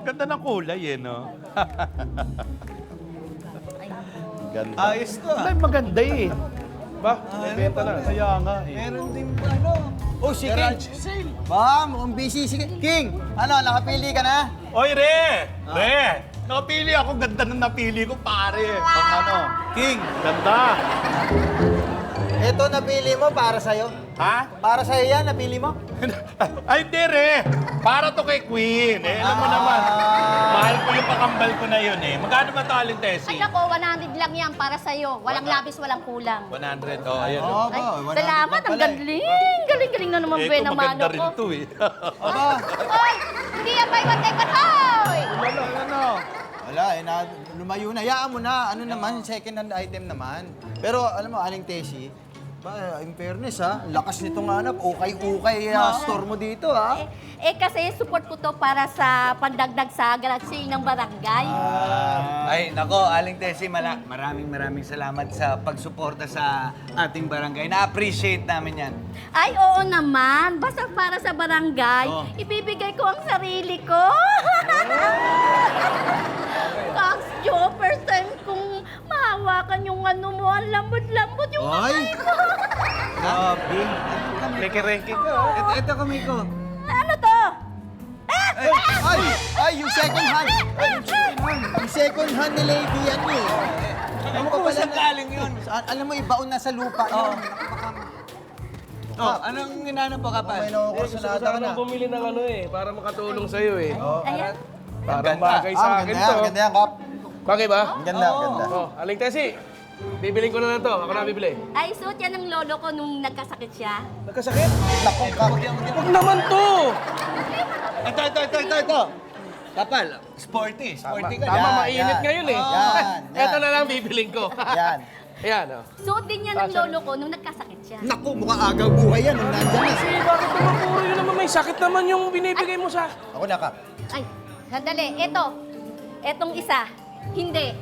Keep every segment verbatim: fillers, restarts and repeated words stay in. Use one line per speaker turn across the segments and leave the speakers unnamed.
Ganda ng kulay eh, no? Ganda.
Ayos to ah.
Ay, maganda eh. Ba? May benta na. Kaya nga eh.
Meron din ba ano? Oh, si King.
Garage sale. Ba, mukhang busy si King. Ano, nakapili ka na?
Oy, Re! Re! Napili ako. Ganda ng napili ko, pare. Pang ano?
King.
Ganda.
Ito napili mo para sa'yo.
Ha?
Para sa'yo yan, napili mo?
Ay, hindi, Re. Para to kay Queen. Eh, alam mo naman. Mahal ko yung pakambal ko na yun eh. Magkano ba to, Aling
Ay
Tessie?
nako, one hundred lang yan para sa'yo. Walang labis, walang kulang.
one hundred. Oh, ayan.
Oo,
Oh.
Ay,
ba, wala
salamat,
na
ang
pala eh.
galing. Galing-galing na naman,
Eh,
Ben,
kung
ang
maganda
mano
rin
ko.
to eh.
Aba,
Hoy, hindi yan buy one, take one, hoy!
ano, ano? Wala eh, na, lumayo na. Hayaan mo na. Ano naman, second hand item naman. Pero alam mo, Aling Tessie, ba, in fairness ha, lakas nitong hanap. Ukay-ukay uh, store mo dito ha.
Eh, eh, kasi support ko to para sa pandagdag sa galaxy ng barangay.
Ay, nako, Aling Tessie, mala maraming maraming salamat sa pagsuporta sa ating barangay. Na-appreciate namin yan.
Ay, oo naman. Basta para sa barangay,
Oh.
ibibigay ko ang sarili ko. Kax, Joe, first time kong mahawakan yung ano mo, ang lambot-lambot yung
Ay!
kamay mo.
Grabe.
Reke-reke ka.
Ito, ito kami ko.
Ano to?
Ay, ay, ay, yung second hand. Ay, yung second hand. Yung second hand ni Lady yan eh.
Alam mo kung saan galing yun?
Saan- Alam mo, ibaon na sa lupa yun.
Oh, anong ginanap po, Kapal?
May nakukursunada ka na.
Sana bumili ng ano eh, para makatulong sa'yo eh.
Ayan.
Parang
Ganda.
bagay
Ah,
sa
ang
akin
ganda yan,
to.
ang ganda yan, Kap.
Bagay ba?
Ang ganda, ang ganda.
Oh, Aling Tessie, bibiling ko na lang to. Ako na bibili.
Ay, suot yan ng lolo ko nung nagkasakit siya.
Nagkasakit?
Naku, Kap.
Huwag naman to!
Ito, ito, ito, ito, ito. Kapal, sporty. Sporty ka.
Tama,
Yan,
mainit
yan.
ngayon eh.
Yan, yan.
Ito na lang bibiling ko.
Yan.
Ayan, oh.
Suot din yan ng lolo ko nung nagkasakit siya.
Naku, mukhang agaw buhay yan. Nung nandyan na.
Kasi bakit naman puro yun naman may sakit naman yung binibigay mo sa...
Ako na, Kap.
Ay, sandali. Ito. Etong isa. Hindi.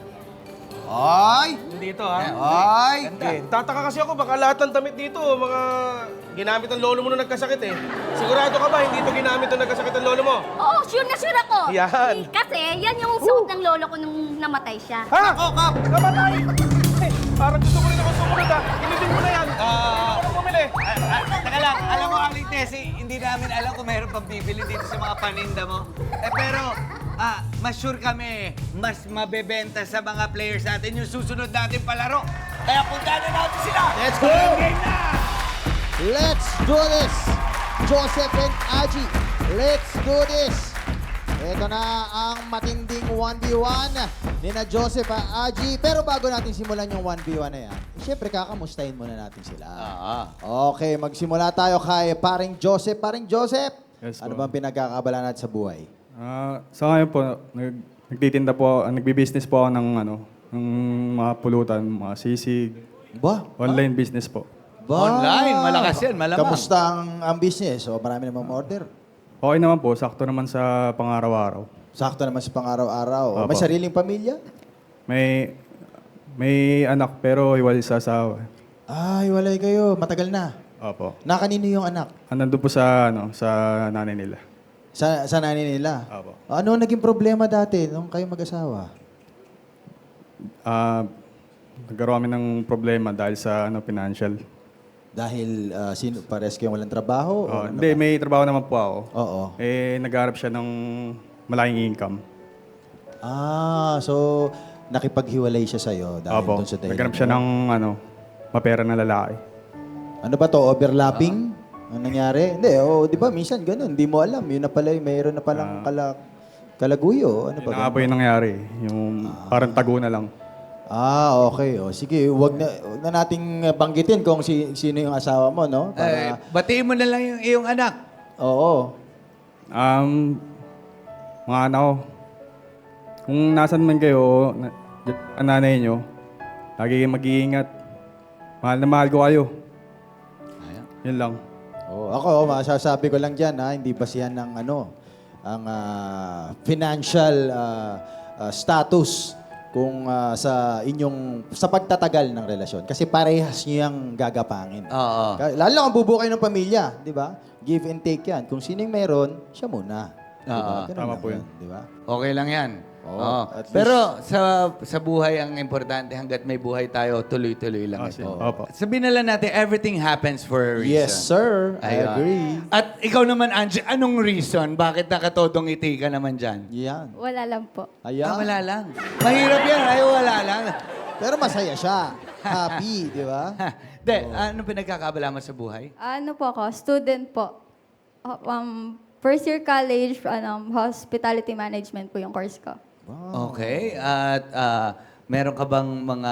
Ay!
Hindi ito, ha?
Ay!
Eh, tataka kasi ako, baka lahat ng damit dito, mga ginamit ng lolo mo nung nagkasakit eh. Sigurado ka ba, hindi ito ginamit nung nagkasakit ng lolo mo?
Oo, sure na sure ako.
Yan.
Eh, Kasi yan yung suot ng lolo ko nung namatay siya.
Ha?
Ako, Kap!
Namatay! Eh, parang gusto ko rin ako sumunod ha. Ilibing mo na yan.
Ah,
Ako na bumili.
ah, ah, teka lang, alam mo, Aling Tessie, hindi namin alam kung mayroon pang bibili dito sa mga paninda mo. Eh, pero, ah, mas sure kami, mas mabebenta sa mga players natin yung susunod natin palaro. Kaya punta na natin sila!
Let's go!
Game na!
Let's do this! Joseph and Aji, let's do this! Ito na ang matinding one v one ni na Joseph at Aji. Pero bago natin simulan yung one v one na yan, siyempre kakamustahin muna natin sila. Okay, magsimula tayo kay paring Joseph. Paring Joseph,
Yes,
ano
po.
bang pinagkakabala natin sa buhay?
Ah, sa ngayon po, nag, nagtitinda po, ah, nagbi-business po ako ng ano, ng mga pulutan, mga sisig,
Ba?
online business po.
Ba?
Online, malakas yan, malamang.
Kamusta ang, ang business? O marami namang order?
Okay naman po, sakto naman sa pang-araw-araw.
Sakto naman sa pang-araw-araw. O,
Opo.
may sariling pamilya?
May may anak pero hiwalay sa asawa.
Ay, walay kayo. Matagal na.
Opo.
Nakanino yung anak?
Ah, nandun po sa ano, sa nanay nila.
Sa, sa nanay nila?
Opo.
Ano naging problema dati nung kayo mag-asawa?
Ah, nagkaroon kami ng problema dahil sa ano financial.
Dahil uh, sino, pares kayong walang trabaho? o
Oh,
ano
hindi,
ba?
may trabaho naman po ako.
Oo.
Eh, nagharap siya ng malaking income.
Ah, so nakipaghiwalay siya sa'yo dahil
Opo.
dun sa dahilan
Naghanap siya
mo?
ng ano, mapera na lalaki.
Ano ba to? Overlapping? Ano nangyari? Hindi, oh, di ba? Minsan ganun. Hindi mo alam. Yun na pala, mayroon na palang kala, kalaguyo. Ano
Yun
ba?
na nga po yung nangyari. Yung parang tago na lang.
Ah, okay. O, sige, wag na, wag na nating banggitin kung si, sino yung asawa mo, no?
Eh,
Para,
batiin mo na lang yung iyong anak.
oo.
Um, mga anak ko, kung nasan man kayo, na, ang nanay nyo, lagi kayong mag-iingat. Mahal na mahal ko kayo. Yun lang.
Oh, ako, masasabi ko lang dyan, ha, hindi basihan ng ano, ang ah, financial ah, ah, status kung ah, sa inyong, sa pagtatagal ng relasyon. Kasi parehas niyo yung gagapangin.
Oo.
Ka- Lalo kung bubuo kayo ng pamilya, di ba? Give and take yan. Kung sino yung meron, siya muna. Diba?
Oo.
Ganun
Tama
lang
po yun.
Di ba?
Okay lang yan.
Oo,
Oo.
at
Pero sa sa buhay, ang importante, hanggat may buhay tayo, tuloy-tuloy lang
Ah,
ito.
sige. Opo.
Sabihin na lang natin, everything happens for a reason.
Yes, sir. I
Ayun.
agree.
At ikaw naman, Angie, anong reason? Bakit nakatodong ngiti ka naman dyan?
Yan.
Wala lang po.
Ayan.
Ah, wala lang. Mahirap yan. Ay, wala lang.
Pero masaya siya. Happy, di ba?
De, anong pinagkakabala mo sa buhay?
Ano po ako? Student po. Uh, Um, first year college, ano, hospitality management po yung course ko.
Okay. At ah, meron ka bang mga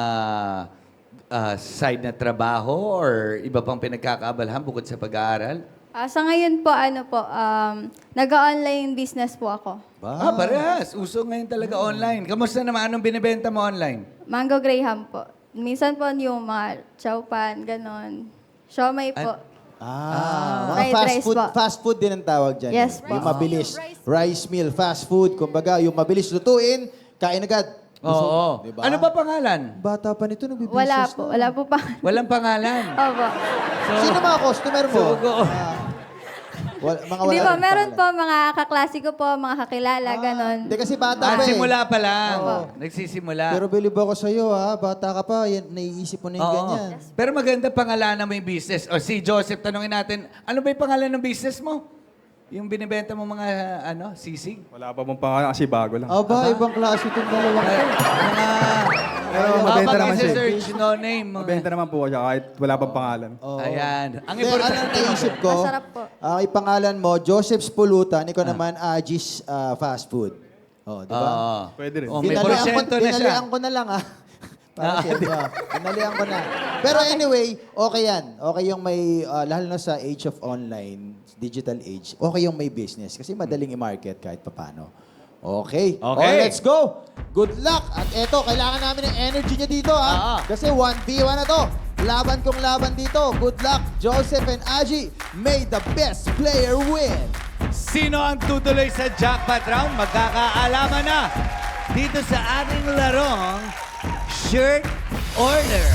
ah, side na trabaho or iba pang pinagkakaabalahan bukod sa pag-aaral?
Ah, sa ngayon po, ano po, um, nag-online business po ako.
Ah, parehas. Uso ngayon talaga online. Kamusta naman? Anong binibenta mo online?
Mango Graham po. Minsan po yung mga chowpan, ganon. Siomay po.
Ah, mga
Fried
fast
rice
food,
po.
fast food din ang tawag dyan.
Yes
eh.
po.
Yung mabilis. Rice meal, fast food. Kumbaga, yung mabilis lutuin, kain agad.
Oo.
Diba?
Ano ba pangalan?
Bata pa nito, nagbibusiness
Wala
na.
po. Wala po pa.
Walang pangalan.
Opo.
Sino mga customer mo?
So, go.
Ah, wala, mga wala
Hindi po,
rin
meron po
pangalan.
mga kaklase ko po, mga kakilala, ganon.
Hindi kasi bata
Ah,
pa eh.
simula pa lang.
Oo.
Nagsisimula.
Pero believe ako sa'yo ha, bata ka pa, yan, naiisip mo na yung
Oo.
ganyan.
Pero maganda pangalanan mo yung business. O si Joseph, tanungin natin, ano ba yung pangalan ng business mo? Yung binibenta mo mga, ano, sisig?
Wala pa mong pangalan kasi bago lang.
Aba, ibang klase itong dalawa.
Ay, mga...
Pero mabenta naman siya.
search no name. Mga...
Mabenta naman po siya kahit wala pang pangalan.
Oo.
Ayan. Ang
Hindi, ano
importante.
naisip ko?
Masarap po.
Ah, ipangalan mo, Joseph's Pulutan, ikaw naman, Agis ah, Fast Food. Oh, di ba?
Oo.
Pwede rin.
Oh, may
Dinalian ko,
porsyento na siya.
dinalian ko na lang ah. Para sa inyo. Dinalian ko na. Pero anyway, okay yan. Okay yung may, ah, lalo na sa age of online, digital age, okay yung may business. Kasi madaling i-market kahit papano. Okay.
Okay.
Oh, let's go. Good luck. At eto, kailangan namin ng energy niya dito
Ah.
ha. Kasi one v one na to. Laban kong laban dito. Good luck, Joseph and Aji. May the best player win.
Sino ang tutuloy sa jackpot round? Magkakaalaman na dito sa ating larong Shirt Order.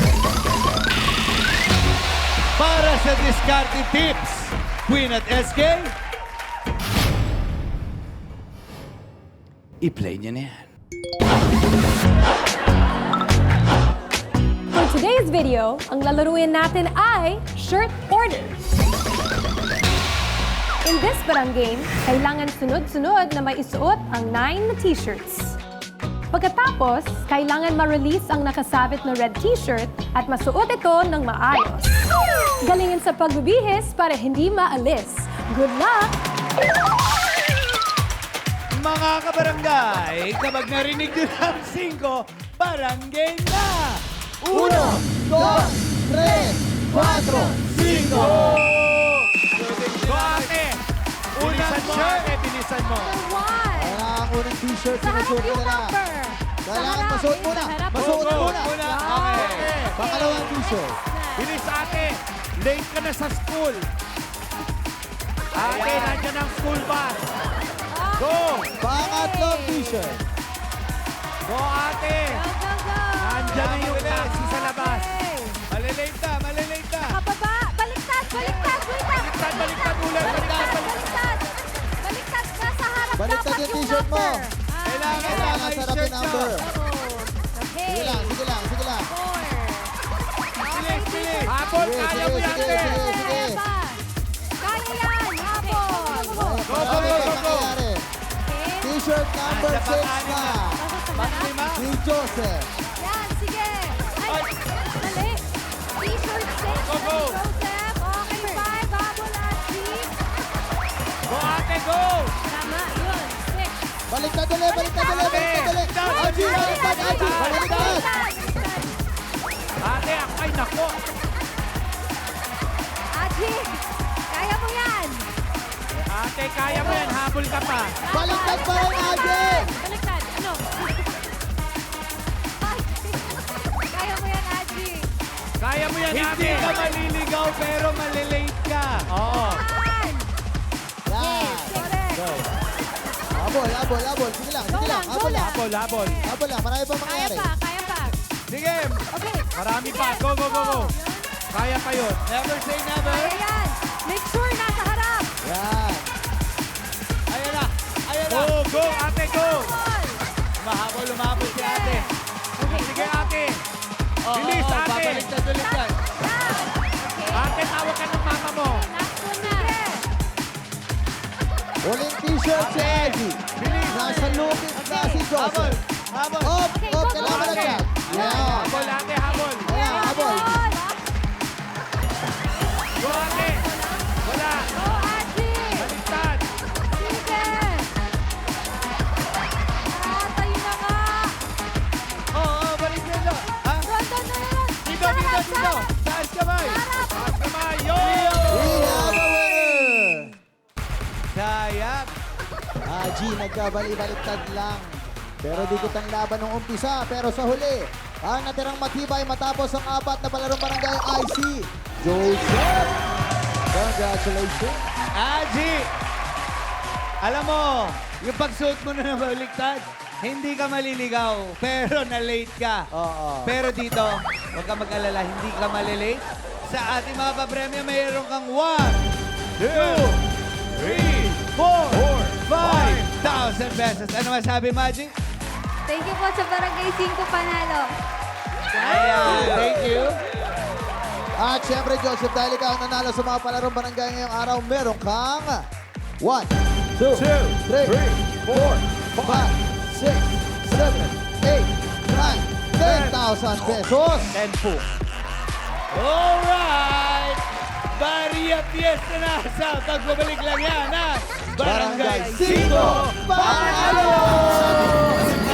Para sa discarte tips, Queen at S K, i-play niyo na yan.
For today's video, ang lalaruin natin ay Shirt Order. In this barang game, kailangan sunod-sunod na may isuot ang nine na t-shirts. Pagkatapos, kailangan ma-release ang nakasabit na red t-shirt at masuot ito ng maayos. Galingin sa pagbibihis para hindi maalis. Good luck!
Mga kabarangay, kapag narinig nyo ng singko, barangay na!
Uno, dos, tres, cuatro,
Cinco! Go, ate! Unang shirt! Bilisan mo!
One!
Kailangan ang unang t-shirt.
Sa harap
Sinusuot
yung
mo na.
number!
Kailangan masuot muna.
Sa harap.
Masuot
Go, go,
muna.
muna. Okay.
Pangalawang t-shirt.
Bilis ate! Late ka na sa school! Ate, nandiyan ang school bus! Go!
Pangatlong t-shirt.
Go ate!
Go, go, go!
Nandiyan na yung taxi sa labas!
Malilate na, malilate na!
Kapaba! Baliktad! Baliktad! Wait lang!
Baliktad, baliktad ulit! Baliktad,
Baliktad! Baliktad! Nasa harap
Baliktad
dapat
yung t-shirt mo.
number. Ah,
Kailangan
Kailangan
may
sarap
shirt
yung number.
Okay.
Sige lang, sige lang, sige lang.
Four.
Bilis, bilis!
Habol,
Sige,
kaya mo
sige,
yan,
sige,
ate!
sige, sige.
Kaya pa. Kaya yan! Habol!
Go,
go, go, go, go.
Okay.
T-shirt number
Nasa
six
pang-anim
na.
na.
Nasa sa
Panglima?
Si Joseph.
Yan, sige. Ay, mali. T-shirt six.
Go, go.
Joseph. Okay, five. Habol at three.
Go ate, go!
Tama, yun. Six.
Baliktad ulit, baliktad ulit, baliktad ulit. Aji, baliktad, Aji, baliktad.
Ate, ak- ay nako!
Aji, kaya mo yan.
Ate, kaya mo yan, habol ka pa!
Baliktad pa rin, Aji.
Baliktad. Ano? Kaya mo yan, Aji.
Kaya mo yan,
Hindi
ate!
ka maliligaw pero malilate ka.
Oo!
One.
Yan.
Correct.
Habol, habol, habol. Sige lang,
Go
sige lang.
lang, go
Habol lang.
lang.
Habol, habol!
Habol lang, marami pa
Kaya
mangyari.
pa, kaya pa.
Sige,
Okay.
Marami
Sige,
pa. Go, go, go, go. Kaya pa yun.
never say never.
Kaya yan. Make sure nasa harap.
Yan.
Ayan na, ayan Go, go, ate, go! Mahabol, lumabot si ate. Sige, ate. Bilis, ate. Babaliktad ulit yan. Ate, tawag ka ng mama mo.
Huling t-shirt si Aji. Nasa lupit na si Joseph.
Habol.
Up, up, kailangan na siya. Yeah.
Habol, ate, habol.
Ayan, habol.
Go, ate. Wala. Baliktad. Oo, oh, baliktad na. Ha? Dito, dito, dito. Taas kamay. Taas kamay. Yo!
We have a winner.
Sayang.
Aji, nagkabali-baliktad lang. Pero dikit ang laban ng umpisa. Pero sa huli, ang natirang matibay matapos ang apat na palarong barangay I C. Joseph! Congratulations!
Aji! Alam mo, yung pagsuot mo na ng baliktad, hindi ka maliligaw, pero na-late ka.
Oo.
Pero dito, huwag ka mag-alala, hindi ka malilate. Sa ating mga papremyo, mayroon kang one, two, three, four, five thousand pesos. Ano masabi, Maji?
Thank you po sa Barangay five Panalo.
Ayan, thank you.
At syempre, Joseph, dahil ikaw ang nanalo sa mga palarong barangay ngayong araw, meron kang one, two, three, four, five, six, seven, eight, nine, ten thousand pesos.
ten po. Alright! Maria Fiesta na sa pagbabalik lang yan ha? Barangay
Barangay Cinco
Panalo!